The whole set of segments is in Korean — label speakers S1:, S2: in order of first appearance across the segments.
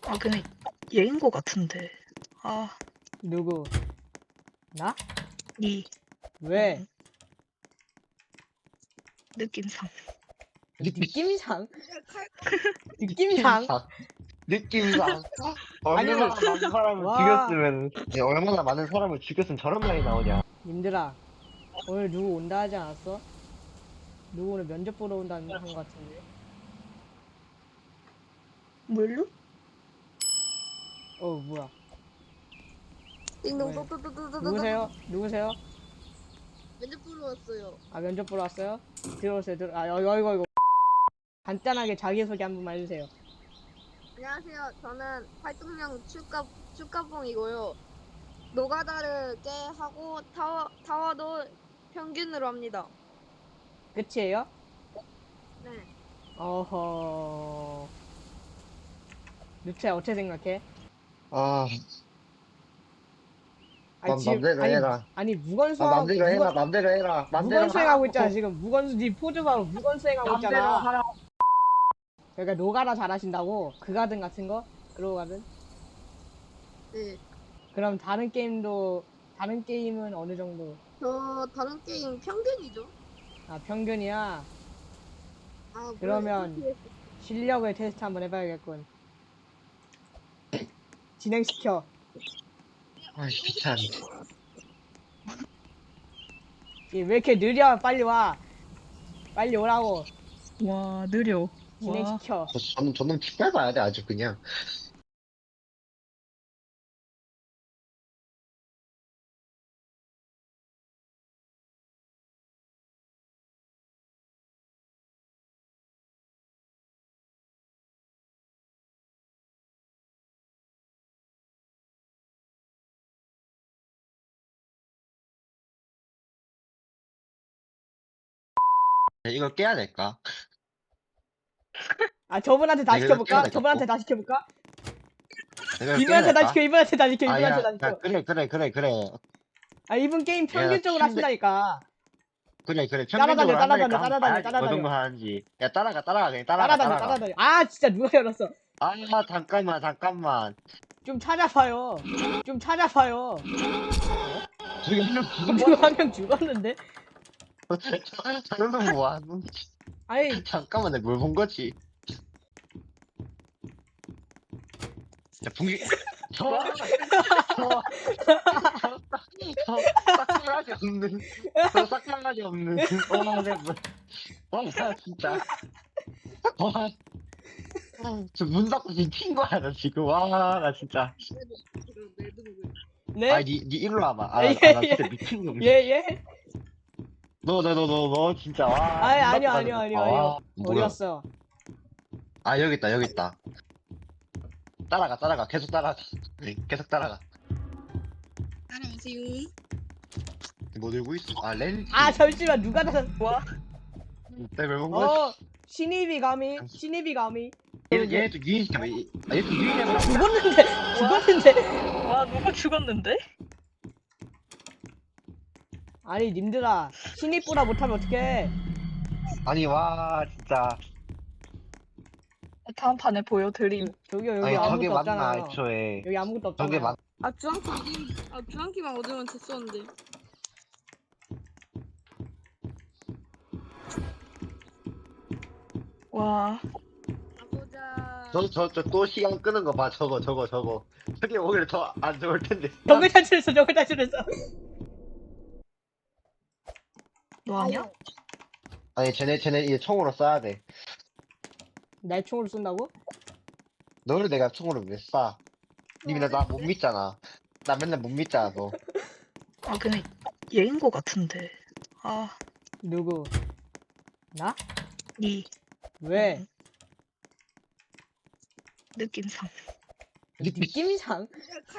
S1: 아, 근데 얘인 거 같은데. 아,
S2: 누구? 나?
S1: 이
S2: 왜?
S1: 느낌상.
S2: 느낌상? 느낌상?
S3: 느낌상
S2: 아니,
S3: 얼마나 많은 사람을
S2: 와.
S3: 죽였으면 얼마나 많은 사람을 죽였으면 저런 말이 나오냐.
S2: 님들아, 오늘 누구 온다 하지 않았어? 누구 오늘 면접 보러 온다는 한 것 같은데.
S1: 뭘로?
S2: 뭐야?
S4: 띵동
S2: 왜?
S4: 또또또또또또
S2: 누구세요? 누구세요?
S4: 면접 보러 왔어요.
S2: 아, 면접 보러 왔어요? 들어오세요. 이거. 간단하게 자기소개 한 번만 해주세요.
S4: 안녕하세요. 저는 활동명 축가봉이고요. 노가다를 깨하고 타워도 평균으로 합니다.
S2: 끝이에요?
S4: 네.
S2: 어허. 루트야, 어떻게 생각해?
S3: 아,
S2: 아니, 지금,
S3: 맘대로 해라.
S2: 아니,
S3: 맘대로 해라. 맘대로 해라. 맘대로
S2: 무건 수행하고
S3: 하라고.
S2: 있잖아, 지금. 니 포즈 봐로 무건 수행하고
S3: 맘대로
S2: 있잖아.
S3: 하라.
S2: 그러니까 노가다 잘하신다고? 그 가든 같은 거? 그러고 가든?
S4: 네.
S2: 그럼 다른 게임은 어느 정도?
S4: 저 다른 게임 평균이죠.
S2: 아, 평균이야?
S4: 아,
S2: 그러면 실력을 테스트 한번 해봐야겠군. 진행시켜.
S3: 아, 귀찮.
S2: 왜 이렇게 느려? 빨리 와. 빨리 오라고.
S1: 와, 느려. 와,
S2: 진행시켜.
S3: 저는 핏발 봐야 돼, 아주 그냥. 이걸 깨야 될까?
S2: 아, 저분한테 다
S3: 내가 이걸 깨야
S2: 시켜볼까?
S3: 될까?
S2: 저분한테 다 시켜볼까?
S3: 내가 이걸 깨야
S2: 이분한테 다
S3: 될까?
S2: 시켜, 이분한테 다 시켜,
S3: 아,
S2: 이분한테
S3: 야,
S2: 다
S3: 야,
S2: 시켜.
S3: 그래.
S2: 아, 이분 게임
S3: 야,
S2: 평균적으로
S3: 침대-
S2: 하신다니까.
S3: 그래.
S2: 따라다녀,
S3: 평균적으로 한다니까 한번
S2: 따라다녀,
S3: 봐야지. 어떤 거 하는지. 야, 따라가. 그냥 따라가.
S2: 따라다녀. 아, 진짜 누가 열었어.
S3: 아, 잠깐만.
S2: 좀 찾아봐요. 좀 찾아봐요.
S3: 저기 한명
S2: 누구 한 명 죽었는데?
S3: 저는 뭐하는?
S2: 아니,
S3: 잠깐만, 내가 뭘 본 거지? 야, 분기, 싹바가지 없는, 싹바가지 없는, 나 진짜. 와, 저문 닫고 지금 튄 거야, 나 지금. 와, 나 진짜.
S2: 네?
S3: 아, 니 일로 와봐. 아,
S2: 예,
S3: 나
S2: 예.
S3: 진짜 미친 놈.
S2: 예, 예?
S3: 너, 진짜, 와.
S2: 아니,
S3: 문 닫고
S2: 아니요.
S3: 가는 거 봐. 와,
S2: 어디
S3: 뭐야.
S2: 갔어?
S3: 아, 여기 있다. 따라가. 계속 따라가.
S4: 따라오세요.
S3: 뭐 들고 있어? 아, 렌즈.
S2: 아, 잠시만, 누가 나,
S1: 와,
S3: 내가 왜본 거지?
S2: 신입이 감히?
S3: 얘도 유인시켜. 얘도 유인해봐.
S2: 죽었는데.
S1: 와, 누가 죽었는데?
S2: 아니, 님들아, 신입보다 못하면 어떡해?
S3: 아니, 와, 진짜.
S1: 다음 판에 보여드림.
S2: 여기
S3: 아니, 저게
S2: 아무것도
S3: 맞나,
S2: 없잖아요.
S3: 애초에.
S2: 여기 아무것도
S3: 저게
S2: 없잖아요.
S3: 맞,
S4: 주황키만 얻으면 됐었는데.
S1: 와,
S4: 가보자.
S3: 또 시간 끄는 거 봐, 저거. 저게 오히려 더 안 좋을 텐데.
S2: 정글 탈출했어.
S1: 너 아니야?
S3: 아니, 쟤네 이제 총으로 쏴야 돼.
S2: 날 총으로 쏜다고?
S3: 너를 내가 총으로 왜 쏴? 님이 나 못 믿잖아. 나 맨날 못 믿잖아, 너.
S1: 아, 근데 얘인 거 같은데. 아,
S2: 누구? 나?
S1: 이
S2: 왜?
S1: 느낌상.
S2: 느낌상?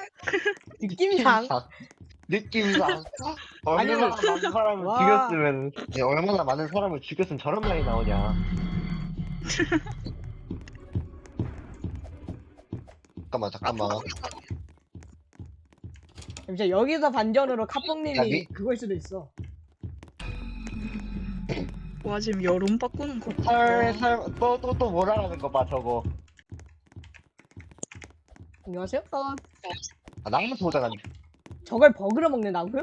S3: 느낌상.
S2: 아니,
S3: 얼마나 많은 사람을
S2: 와.
S3: 죽였으면, 얼마나 많은 사람을 죽였으면 저런 말이 나오냐. 잠깐만.
S2: 잠시만, 여기서 반전으로
S3: 야,
S2: 카뽕님이 그걸 수도 있어.
S1: 와, 지금 여론 바꾸는 거.
S3: 또 뭐라는 거 봐, 저거.
S2: 안녕하세요?
S3: 아, 낭만 보잖아.
S2: 저걸 버그로 먹는다고요?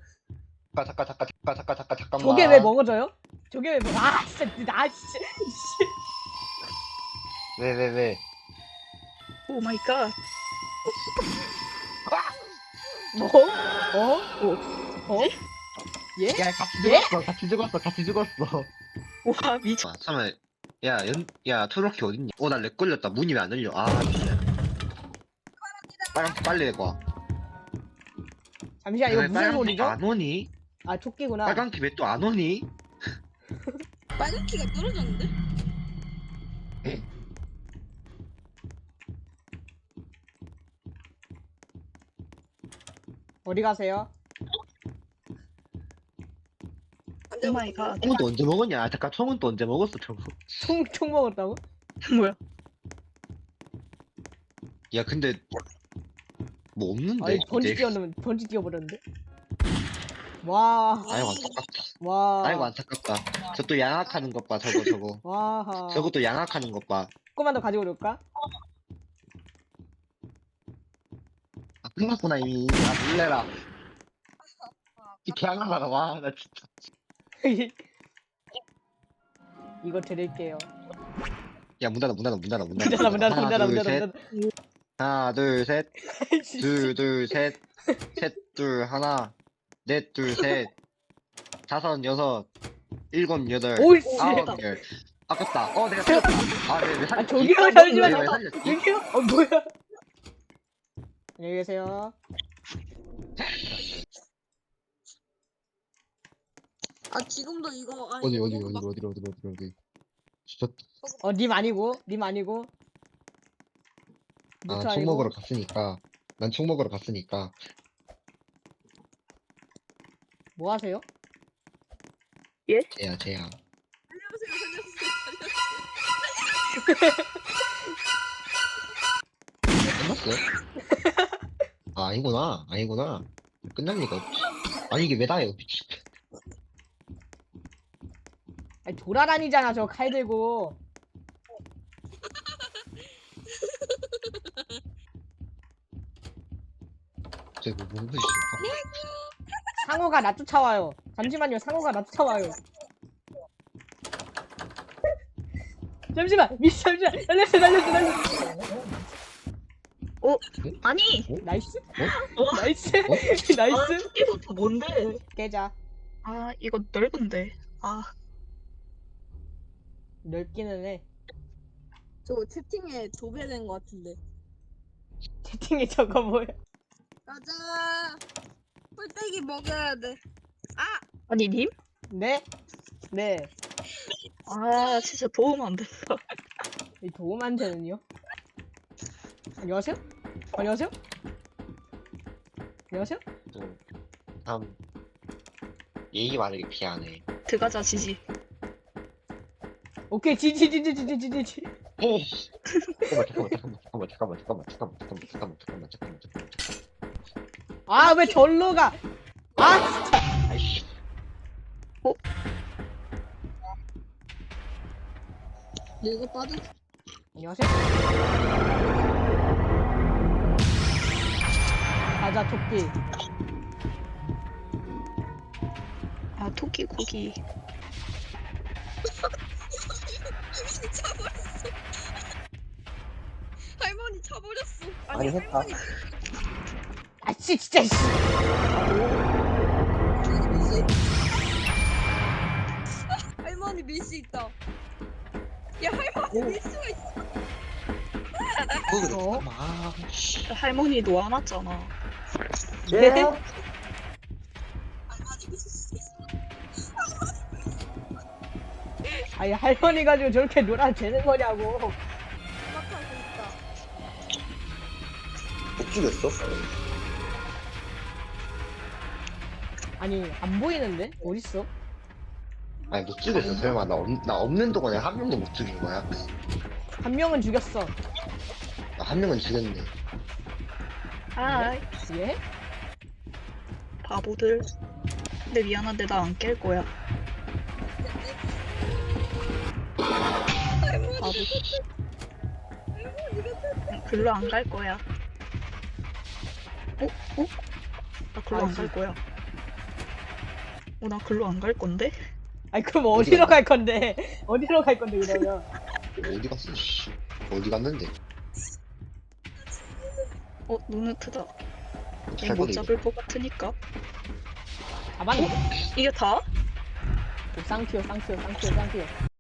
S3: 잠깐만.
S2: 저게 왜 먹어져요? 저게 왜 아 진짜 나 진짜
S3: 왜?
S1: 오 마이 갓.
S2: 뭐? 어? 예?
S3: 야, 같이 죽었어.
S1: 와 미쳐.
S3: 아, 잠깐만. 야, 트로키 어딨냐? 나 렉 걸렸다. 문이 왜 안 열려? 아, 빨리 내고.
S2: 잠시만 이거 무슨 소리죠?
S3: 안 오니?
S2: 아 토끼구나.
S3: 빨간 키 왜 또 안 오니?
S4: 빨간 키가 떨어졌는데?
S2: 어디 가세요?
S1: 오 마이 갓.
S3: 청은 또 언제 먹었냐? 아, 잠깐, 청은 또 언제 먹었어, 저거?
S2: 총 먹었다고?
S1: 뭐야?
S3: 야, 근데 뭐 없는데?
S2: 아니 번지
S3: 이제?
S2: 뛰어놓으면 번지 뛰어버렸는데. 와.
S3: 아이고 안타깝다.
S2: 와.
S3: 아이고 안타깝다. 저 또 양악하는 것 봐, 저거.
S2: 와.
S3: 저것도 양악하는 것 봐.
S2: 조금만 더 가지고 올까?
S3: 아, 끝났구나 이미. 아, 놀래라. 이 개양아가 와, 나 진짜.
S2: 이거 드릴게요.
S3: 야, 문 닫아.
S2: 문닫아.
S3: 하나, 둘, 셋. 둘, 셋. 셋, 둘, 하나. 넷, 둘, 셋. 다섯, 여섯. 일곱, 여덟.
S2: 오, 씨.
S3: 아홉, 열. 아깝다. 내가 살렸다. 왜 살렸지?
S2: 저기요,
S3: 왜
S2: 잠시만요.
S3: 살렸지?
S2: 여기요? 뭐야? 안녕히 계세요.
S4: 아 지금도 이거
S3: 어디. 진짜.
S2: 님 아니고.
S3: 아,
S2: 무트
S3: 총
S2: 아니고.
S3: 먹으러 갔으니까. 난 총 먹으러 갔으니까.
S2: 뭐 하세요?
S3: 쟤야.
S4: 살려주세요.
S3: 끝났어요? 아, 아니구나. 끝날 리가 없지. 아니, 이게 왜 다예요, 미친.
S2: 아니 돌아다니잖아 저 칼 들고.
S3: 쟤 뭐, 뭔데, 씨.
S2: 상어가 나 쫓아와요. 잠시만요. 상어가 나 쫓아와요. 잠시만. 잠시만. 날렸어.
S1: 아니.
S2: 나이스.
S1: 와.
S2: 나이스.
S1: 아,
S2: 나이스.
S1: 이거 뭔데?
S2: 깨자.
S1: 아 이거 넓은데. 아
S2: 넓기는 해.
S4: 저 채팅에 도배된 것 같은데.
S2: 채팅에 저거 뭐야?
S4: 가자. 뿔떼기 먹여야 돼.
S1: 아니 님?
S2: 네? 네.
S1: 아 진짜 도움 안 된다.
S2: 이 도움한테는요? 안녕하세요? 안녕하세요?
S3: 좀, 참, 예의 바르게 피하네.
S1: 들어가자 지지.
S2: 오케이 지지.
S3: 잠깐만.
S2: 아 왜 절로 가? 아 진짜.
S3: 아이씨.
S4: 이거 빠져.
S2: 안녕하세요? 가자 토끼.
S1: 아 토끼 고기.
S4: 할머니 차버렸어.
S3: 아니, 했다.
S2: 아씨 진짜 씨.
S4: 할머니 밀수 있다. 야 할머니 밀 수가 있어.
S2: 어?
S1: 할머니 놓아놨잖아.
S2: 네?
S4: 할머니 밀 수 있어.
S2: 아니 할머니 가지고 저렇게 놀아 되는 거냐고.
S4: 막하고 있다.
S3: 못 죽였어?
S2: 아니 안 보이는데? 어딨어?
S3: 아니, 못 죽였어. 설마, 나 없는 동안에 한 명도 못 죽인 거야?
S2: 한 명은 죽였어.
S3: 한 명은 죽였네.
S1: 아
S2: 예?
S1: 바보들. 근데 미안한데 나 안 깰 거야. 바보. 글로 안 갈 거야. 나 글로 안 갈 거야. 나 글로 안 갈 건데?
S2: 아니 그럼 어디로 갈 건데? 어디로 갈 건데 그러면?
S3: 어디 갔어? 씨. 어디 갔는데?
S1: 누누트다.
S3: 어떻게
S1: 얘
S3: 할
S1: 못
S3: 건데? 이거?
S1: 잡을 것 같으니까.
S2: 잡았네.
S1: 이게 다?
S2: 쌍튀어.